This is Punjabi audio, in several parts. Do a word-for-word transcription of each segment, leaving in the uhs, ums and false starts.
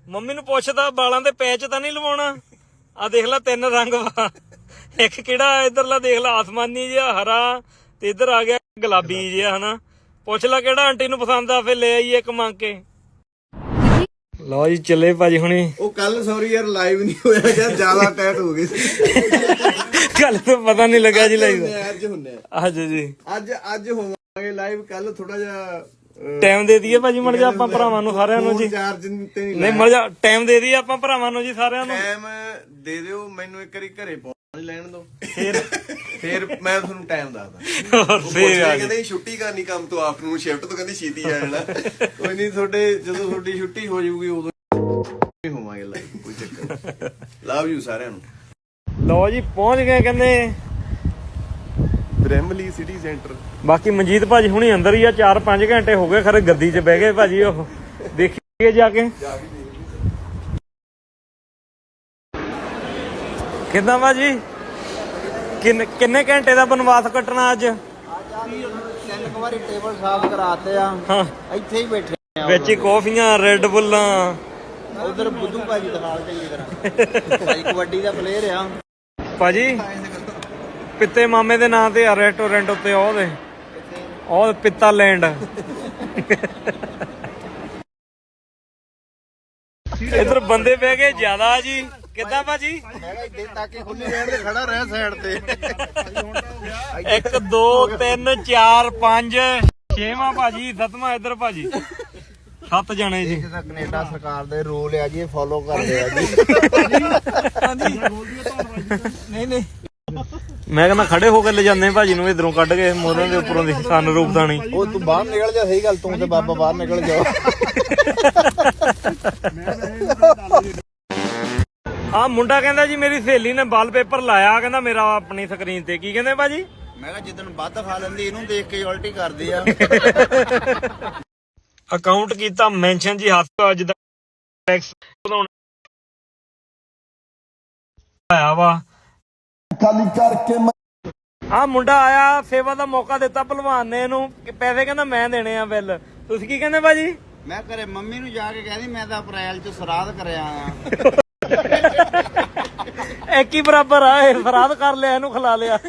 ਮੰਮੀ ਨੂੰ ਪੁੱਛਦਾ ਬਾਲਾਂ ਦੇ ਪੈਚ ਤਾਂ ਨਹੀਂ ਲਵਾਉਣਾ। ਆ ਦੇਖ ਲੈ ਤਿੰਨ ਰੰਗ ਵਾ, ਇੱਕ ਕਿਹੜਾ ਇਧਰਲਾ ਦੇਖ ਲੈ ਆਸਮਾਨੀ ਜਿਹਾ, ਹਰਾ, ਤੇ ਇੱਧਰ ਆ ਗਿਆ ਗੁਲਾਬੀ ਜਿਹਾ ਹਨਾ। ਪੁੱਛ ਲੈ ਕਿਹੜਾ ਆਂਟੀ ਨੂੰ ਪਸੰਦ ਆ, ਫਿਰ ਲੈ ਆਈਏ ਇੱਕ ਮੰਗ ਕੇ। ਲਓ ਜੀ ਚੱਲੇ ਭਾਜੀ ਹੁਣੀ। ਉਹ ਕੱਲ ਸੌਰੀ ਯਾਰ ਲਾਈਵ ਨਹੀਂ ਹੋਇਆ ਯਾਰ, ਜ਼ਿਆਦਾ ਟਾਈਟ ਹੋ ਗਈ ਸੀ। ਕੱਲ ਤਾਂ ਪਤਾ ਨਹੀਂ ਲੱਗਾ ਜੀ ਲਾਈਵ। ਅੱਜ ਹੁੰਨੇ ਅੱਜ ਜੀ ਅੱਜ ਅੱਜ ਹੋਵਾਂਗੇ ਲਾਈਵ। ਕੱਲ ਥੋੜਾ ਜਿਹਾ ਟਾਈਮ ਦੇ ਦਈਏ ਭਾਜੀ ਮੜ ਜਾ ਆਪਾਂ ਭਰਾਵਾਂ ਨੂੰ ਸਾਰਿਆਂ ਨੂੰ ਜੀ। ਚਾਰਜ ਤੇ ਨਹੀਂ ਨਹੀਂ ਮੜ ਜਾ ਟਾਈਮ ਦੇ ਦਈਏ ਆਪਾਂ ਭਰਾਵਾਂ ਨੂੰ ਜੀ ਸਾਰਿਆਂ ਨੂੰ। ਟਾਈਮ ਦੇ ਦਿਓ ਮੈਨੂੰ, ਇੱਕ ਵਾਰੀ ਘਰੇ ਪਹੁੰਚ ਲੈਣ ਦਿਓ, ਫਿਰ ਫਿਰ ਮੈਂ ਤੁਹਾਨੂੰ ਟਾਈਮ ਦੱਸਦਾ। ਫੇਰ ਕਹਿੰਦੇ ਛੁੱਟੀ ਕਰਨੀ ਕੰਮ ਤੋਂ, ਆਫਟਰਨੂਨ ਸ਼ਿਫਟ ਤੋਂ ਕਹਿੰਦੀ ਛੇਤੀ ਆ ਜਾਣਾ। ਕੋਈ ਨਹੀਂ, ਤੁਹਾਡੇ ਜਦੋਂ ਤੁਹਾਡੀ ਛੁੱਟੀ ਹੋ ਜਾਊਗੀ ਉਦੋਂ ਹੋਵਾਂਗੇ ਲਾਈਵ, ਕੋਈ ਚੱਕਰ। ਲਵ ਯੂ ਸਾਰਿਆਂ ਨੂੰ। ਲਓ ਜੀ ਪਹੁੰਚ ਗਏ ਕਹਿੰਦੇ ਬ੍ਰਹਮਲੀ ਸਿਟੀ ਸੈਂਟਰ। ਬਾਕੀ ਮਨਜੀਤ ਭਾਜੀ ਹੁਣੀ ਅੰਦਰ ਹੀ ਆ, ਚਾਰ ਪੰਜ ਘੰਟੇ ਹੋ ਗਏ ਖਰੇ ਗੱਡੀ 'ਚ ਬਹਿ ਗਏ ਭਾਜੀ। ਉਹ ਦੇਖੀਏ ਜਾ ਕੇ ਕਿੱਦਾਂ ਭਾਜੀ, ਕਿੰਨੇ ਕਿੰਨੇ ਘੰਟੇ ਦਾ ਬਨਵਾਸ ਕੱਟਣਾ ਅੱਜ? ਤਿੰਨ ਕੁ ਵਾਰੀ ਟੇਬਲ ਸਾਫ਼ ਕਰਾਤੇ ਆ, ਹਾਂ ਇੱਥੇ ਹੀ ਬੈਠੇ ਆ। ਵਿੱਚ ਹੀ ਕੌਫੀਆਂ, ਰੈੱਡ ਬੁੱਲਾਂ। ਉਧਰ ਬੁੱਧੂ ਭਾਜੀ ਦਿਖਾਲ ਚੰਗੀ ਤਰ੍ਹਾਂ, ਭਾਈ ਕਬੱਡੀ ਦਾ ਪਲੇਅਰ ਆ ਭਾਜੀ। ਪਿੱਤੇ ਮਾਮੇ ਦੇ ਨਾਂ ਤੇ ਆ ਰੈਸਟੋਰੈਂਟ ਉੱਤੇ, ਉਹਦੇ ਉਹ ਪਿੱਤਾ ਲੈਂਡ। ਇਧਰ ਬੰਦੇ ਬਹਿ ਗਏ ਜ਼ਿਆਦਾ ਜੀ। ਕਿੱਦਾਂ ਭਾਜੀ? ਮੈਂ ਕਿਹਾ ਇੱਥੇ ਤੱਕ ਹੀ ਖੁੱਲੀ ਰਹਿਣ ਦੇ, ਖੜਾ ਰਹਿ ਸਾਈਡ ਤੇ। ਇੱਕ ਦੋ ਤਿੰਨ ਚਾਰ ਪੰਜ ਛੇਵਾਂ ਭਾਜੀ, ਸੱਤਵਾਂ ਇੱਧਰ ਭਾਜੀ, ਸੱਤ ਜਣੇ ਜੀ। ਕੈਨੇਡਾ ਸਰਕਾਰ ਦੇ ਰੂਲ ਆ ਜੀ, ਫੋਲੋ ਕਰਦੇ ਆ ਜੀ। ਨਹੀਂ ਨਹੀਂ ਮੈਂ ਕਹਿੰਦਾ ਖੜੇ ਹੋ ਕੇ ਲੈ ਜਾਂਦੇ ਭਾਜੀ ਨੂੰ ਇਧਰੋਂ ਕੱਢ ਕੇ ਮੋਰਾਂ ਦੇ ਉੱਪਰੋਂ ਦੀ ਸਨ ਰੂਪ ਦਾਣੀ। ਉਹ ਤੂੰ ਬਾਹਰ ਨਿਕਲ ਜਾ, ਸਹੀ ਗੱਲ, ਤੂੰ ਤੇ ਬਾਬਾ ਬਾਹਰ ਨਿਕਲ ਜਾਓ। ਆ ਮੁੰਡਾ ਕਹਿੰਦਾ ਜੀ ਮੇਰੀ ਸਹੇਲੀ ਨੇ ਵਾਲਪੇਪਰ ਲਾਇਆ, ਕਹਿੰਦਾ ਮੇਰਾ ਆਪਣੀ ਸਕਰੀਨ ਤੇ। ਕੀ ਕਹਿੰਦੇ ਭਾਜੀ? ਮੈਂ ਕਿਹਾ ਜਿੱਦਣ ਵੱਧ ਖਾ ਲੈਂਦੀ ਇਹਨੂੰ ਦੇਖ ਕੇ ਉਲਟੀ ਕਰਦੀ ਆ। ਅਕਾਊਂਟ ਕੀਤਾ ਮੈਂਸ਼ਨ ਜੀ, ਹੱਥ ਅੱਜ ਦਾ ਟੈਕਸ ਵਧਾਉਣਾ ਆਇਆ ਵਾ। ਖਾਲੀ ਕਰਕੇ ਆ ਮੁੰਡਾ ਆਇਆ, ਸੇਵਾ ਦਾ ਮੌਕਾ ਦਿੱਤਾ ਭਲਵਾਨ ਨੇ ਇਹਨੂੰ, ਪੈਸੇ ਕਹਿੰਦਾ ਮੈਂ ਦੇਣੇ ਆ ਬਿੱਲ। ਤੁਸੀਂ ਕੀ ਕਹਿੰਦੇ ਭਾਜੀ? ਮੈਂ ਘਰੇ ਮੰਮੀ ਨੂੰ ਜਾ ਕੇ ਕਹਿੰਦੀ ਮੈਂ ਤਾਂ ਅਪ੍ਰੈਲ ਚ ਸਰਾਧ ਕਰਿਆ ਆ। ਇੱਕ ਹੀ ਬਰਾਬਰ ਆ, ਇਹ ਫਰਾਦ ਕਰ ਲਿਆ, ਇਹਨੂੰ ਖਿਲਾ ਲਿਆ।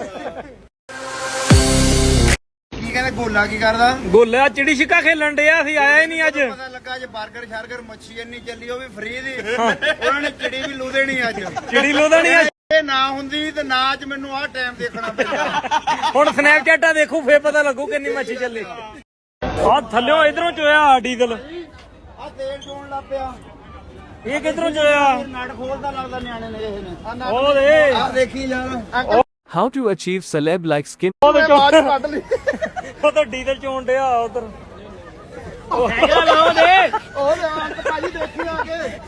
ਕੀ ਕਹਿੰਦੇ ਗੋਲਾ ਕੀ ਕਰਦਾ? ਗੋਲਿਆ ਚਿੜੀ ਛਿੱਕਾ ਖੇਲਣ ਡਿਆ ਸੀ, ਆਇਆ ਹੀ ਨਹੀਂ ਅੱਜ। ਪਤਾ ਲੱਗਾ ਜੇ 버ਗਰ ਸ਼ਰਗਰ ਮੱਛੀ ਇੰਨੀ ਚੱਲੀ, ਉਹ ਵੀ ਫ੍ਰੀ ਦੀ। ਉਹਨਾਂ ਨੇ ਚਿੜੀ ਵੀ ਲੂ ਦੇਣੀ ਅੱਜ। ਚਿੜੀ ਲੋਦਾ ਨਹੀਂ ਅੱਜ। ਇਹ ਨਾ ਹੁੰਦੀ ਤੇ ਨਾ ਅੱਜ ਮੈਨੂੰ ਆਹ ਟਾਈਮ ਦੇਖਣਾ ਪੈਂਦਾ। ਹੁਣ ਸਨੈਪਚੈਟਾਂ ਦੇਖੂ ਫੇਰ ਪਤਾ ਲੱਗੂ ਕਿੰਨੀ ਮੱਛੀ ਚੱਲੀ। ਆ ਥੱਲਿਓ ਇਧਰੋਂ ਚੋਇਆ ਡੀਜ਼ਲ। ਆ ਤੇਲ ਚੋਣ ਲੱਗ ਪਿਆ। ਇਹ ਕਿਧਰੋਂ ਚੋਇਆ? ਨਟ ਖੋਲਦਾ ਲੱਗਦਾ ਨਿਆਣੇ ਨੇ ਇਹ ਨੇ। ਉਹ ਦੇ ਆ ਦੇਖੀ ਯਾਰ। How to achieve celeb-like skin? ਉਹਦੇ ਬਾਅਦ ਚੋਂ ਕੱਢ ਲਈ। ਉਹ ਤਾਂ ਡੀਜ਼ਲ ਚੋਣ ਡਿਆ ਉਧਰ। ਉਹ ਹੈਗਾ ਲਾਓ ਦੇ। ਉਹ ਲੈ ਅੰਤ ਭਾਜੀ ਦੇਖੀ ਆ ਕੇ।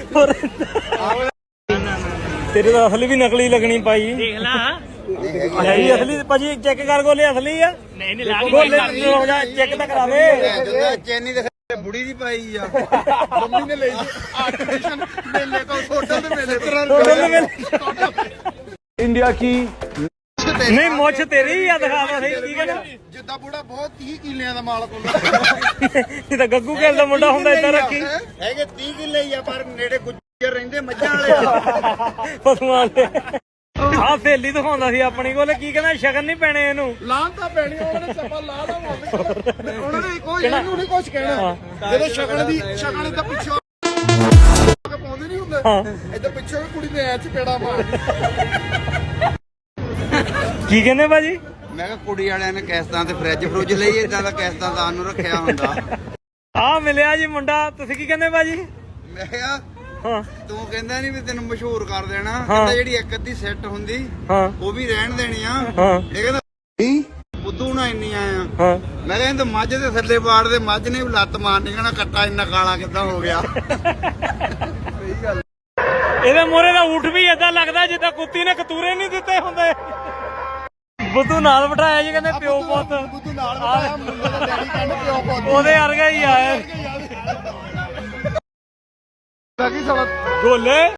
ਤੇਰੇ ਤਾਂ ਅਸਲੀ ਵੀ ਨਕਲੀ ਲੱਗਣੀ ਪਾਈ। ਦੇਖ ਲਾ ਹੈ ਹੀ ਅਸਲੀ ਭਾਜੀ, ਚੈੱਕ ਕਰ ਗੋਲੇ ਅਸਲੀ ਆ। ਨਹੀਂ ਨਹੀਂ ਲਾ ਕੇ ਚੈੱਕ ਤਾਂ ਕਰਾ ਦੇ। ਚੈਨੀ ਦੇ ਬੁੜੀ ਦੀ ਪਾਈ ਆ। ਮੰਮੀ ਨੇ ਲਈ ਆਰਟੀਫੀਸ਼ੀਅਲ ਮੇਲੇ ਕੋ ਹੋਟਲ ਦੇ ਮੇਲੇ। India की ਨਹੀਂ ਮੁੱਛ ਤੇਰੀ ਆ, ਦਿਖਾਵਾ ਸਹੀ। ਕੀ ਕਹਿੰਦਾ? ਜਿੱਦਾਂ ਬੁੜਾ ਬਹੁਤ ਤੀਹ ਕਿੱਲਿਆਂ ਦਾ ਮਾਲਕ ਹੁੰਦਾ। ਇਹ ਤਾਂ ਗੱਗੂ ਘਰ ਦਾ ਮੁੰਡਾ ਹੁੰਦਾ, ਏਦਾਂ ਰੱਖੀ। ਹੈਗੇ ਤੀਹ ਕਿੱਲੇ ਹੀ ਆ, ਪਰ ਨੇੜੇ ਗੁੱਜਰ ਰਹਿੰਦੇ ਮੱਝਾਂ ਵਾਲੇ ਆ। ਪਸ਼ੂਆਂ ਦੇ। ਆਹ ਸਹੇਲੀ ਦਿਖਾਉਂਦਾ ਸੀ ਆਪਣੀ ਕੋਲ। ਕੀ ਕਹਿੰਦਾ ਸ਼ਗਨ ਨਹੀਂ ਪੈਣੇ ਇਹਨੂੰ? ਲਾਂ ਤਾਂ ਪੈਣੀ, ਉਹਨੇ ਚੱਪਾ ਲਾ ਲਾ ਉਹਨਾਂ ਨੇ ਕੋਈ ਇਹਨੂੰ ਨਹੀਂ ਕੁਝ ਕਹਿਣਾ। ਜਦੋਂ ਸ਼ਗਨ ਦੀ ਸ਼ਗਨ ਦਾ ਪਿੱਛੋਂ ਪਾਉਂਦੇ ਨਹੀਂ ਹੁੰਦੇ, ਇੱਧਰ ਪਿੱਛੋਂ ਕੁੜੀ ਨੇ ਐ ਚਪੇੜਾ ਮਾਰਦੀ। ਕੀ ਕਹਿੰਦੇ ਭਾਜੀ? ਮੈਂ ਕਿਹਾ ਕੁੜੀ ਵਾਲਿਆਂ ਨੇ ਕਿਸ਼ਤਾਂ ਤੇ ਫਰਿੱਜ ਫਰੁੱਜ ਲਈ, ਏਦਾਂ ਦਾ ਕਿਸ਼ਤਾਂ ਦਾਨ ਨੂੰ ਰੱਖਿਆ ਹੁੰਦਾ। ਆ ਮਿਲਿਆ ਜੀ ਮੁੰਡਾ। ਤੁਸੀਂ ਕੀ ਕਹਿੰਦੇ ਭਾਜੀ? ਮੈਂ ਕਿਹਾ ਹਾਂ ਤੂੰ ਕਹਿੰਦਾ ਨਹੀਂ ਵੀ ਤੈਨੂੰ ਮਸ਼ਹੂਰ ਕਰ ਦੇਣਾ। ਕਹਿੰਦਾ ਜਿਹੜੀ ਇੱਕ ਅੱਧੀ ਸੈੱਟ ਹੁੰਦੀ ਹਾਂ ਉਹ ਵੀ ਰਹਿਣ ਦੇਣੀ ਆ। ਹਾਂ ਇਹ ਕਹਿੰਦਾ ਬੁੱਧੂ ਨਾ ਇੰਨੀਆਂ ਆ। ਹਾਂ ਮੈਂ ਕਹਿੰਦਾ ਮੱਝ ਦੇ ਥੱਲੇ ਬਾੜ ਦੇ, ਮੱਝ ਨੇ ਵੀ ਲੱਤ ਮਾਰਨੀ, ਕਹਿਣਾ ਕੱਟਾ ਇੰਨਾ ਕਾਲਾ ਕਿੱਦਾਂ ਹੋ ਗਿਆ। ਸਹੀ ਗੱਲ। ਇਹਦੇ ਮੋਰੇ ਦਾ ਊਠ ਵੀ ਏਦਾਂ ਲੱਗਦਾ ਜਿੱਦਾਂ ਕੁੱਤੀ ਨੇ ਕਤੂਰੇ ਨਹੀਂ ਦਿੱਤੇ ਹੁੰਦੇ। ਬੁੱਧੂ ਨਾਲ ਬਿਠਾਇਆ ਜੀ, ਕਹਿੰਦੇ ਪਿਓ ਪੁੱਤ। ਬੁੱਧੂ ਨਾਲ ਬਿਠਾਇਆ, ਮੁੰਡੇ ਦਾ ਡੈਡੀ ਕਹਿੰਦਾ ਪਿਓ ਪੁੱਤ। ਉਹਦੇ ਵਰਗਾ ਹੀ ਆ ਬਾਕੀ ਸਾਲਾ ਗੋਲੇ।